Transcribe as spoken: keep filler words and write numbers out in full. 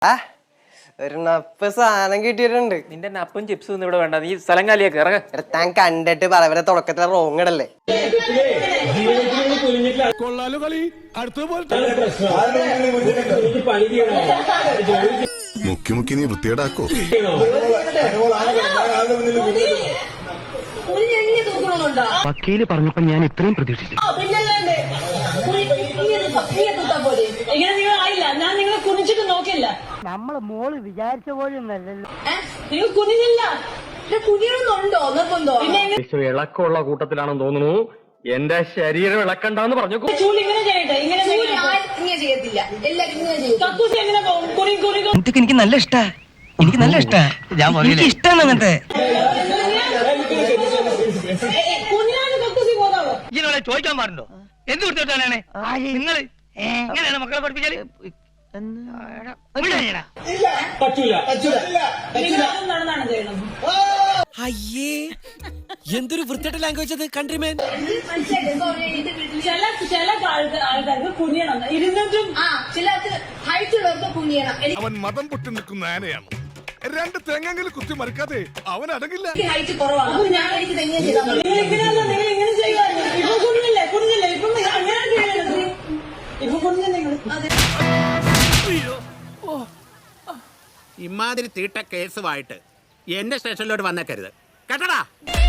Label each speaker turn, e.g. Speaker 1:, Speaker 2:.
Speaker 1: ആ ഒരു നപ്പ് സാധനം കിട്ടിയിട്ടുണ്ട്.
Speaker 2: നിന്റെ നപ്പും ചിപ്സും ഒന്നും ഇവിടെ വേണ്ട, നീ സ്ഥലം കാലിയൊക്കെ ഇറങ്ങ.
Speaker 1: താൻ കണ്ടിട്ട് പറവരെ തുടക്കത്തിലെ റോങ് ഇടല്ലേ.
Speaker 3: മുക്കി മുക്കി നീ വൃത്തിയേടാക്കോ.
Speaker 4: വക്കീല് പറഞ്ഞപ്പോ ഞാൻ ഇത്രയും പ്രതീക്ഷിച്ചു.
Speaker 5: ഞാൻ നിങ്ങളെ കുനിച്ചിട്ട് നോക്കില്ല.
Speaker 6: നമ്മള് മോള് വിചാരിച്ച പോലും നല്ലല്ലോ.
Speaker 5: നിങ്ങൾ കുനിഞ്ഞില്ല. കുനിയണമെന്നുണ്ടോ നിർബന്ധോ?
Speaker 4: ഇളക്കമുള്ള കൂട്ടത്തിലാണെന്ന് തോന്നുന്നു. എന്റെ ശരീരം ഇളക്കണ്ടെന്ന് പറഞ്ഞു.
Speaker 5: ചൂട് ഇങ്ങനെ ചെയ്യട്ടെ, ഇങ്ങനെ ചെയ്യത്തില്ല. കക്കൂസ് എങ്ങനെ പോകും? കുനി കുനി
Speaker 6: എനിക്ക് നല്ല ഇഷ്ടാ, എനിക്ക് നല്ല ഇഷ്ടാ. എനിക്ക് ഇഷ്ടമാണ് അങ്ങനത്തെ.
Speaker 5: കുനിയാണ് കക്കൂസി പോകാവോ?
Speaker 6: ഇതിനോട് ചോദിക്കാൻ പാടുണ്ടോ? എന്ത് കൊടുത്തിട്ടാണ് നിങ്ങള് എങ്ങനെയാണ് മക്കളെ പഠിപ്പിച്ചാല്?
Speaker 5: നടന്നാണ് ചെയ്യണം.
Speaker 7: അയ്യേ, എന്തൊരു വൃത്തിയുടെ ലാംഗ്വേജ് അത്. കൺട്രിമേൻ
Speaker 5: ചില ചില ആൾക്കാർക്ക് കുനിയണം, ഇരുന്നിട്ടും ചിലർക്ക് ഹൈറ്റ് ഉള്ളവർക്ക് കുനിയണം.
Speaker 3: അവൻ മതം പൊട്ടി നിൽക്കുന്ന ആനയാണ്. രണ്ട് തെങ്ങെങ്കിലും കുത്തി മറിക്കാതെ അവൻ അടങ്ങില്ല.
Speaker 5: ഹൈറ്റ് കുറവാണ്. ഞാൻ എനിക്ക് തെങ്ങിയ ചെയ്താൽ നിങ്ങൾ ഇങ്ങനെ ചെയ്യാൻ ഇപ്പൊ കുനിഞ്ഞില്ലേ കുനിഞ്ഞില്ലേ ഇപ്പൊ അങ്ങനെ ചെയ്യണത്. ഇപ്പൊ കുനിഞ്ഞ നിങ്ങൾ
Speaker 8: ഇമാതിരി തീട്ട കേസുമായിട്ട് എന്റെ സ്റ്റേഷനിലോട്ട് വന്നേക്കരുത് കേട്ടടാ.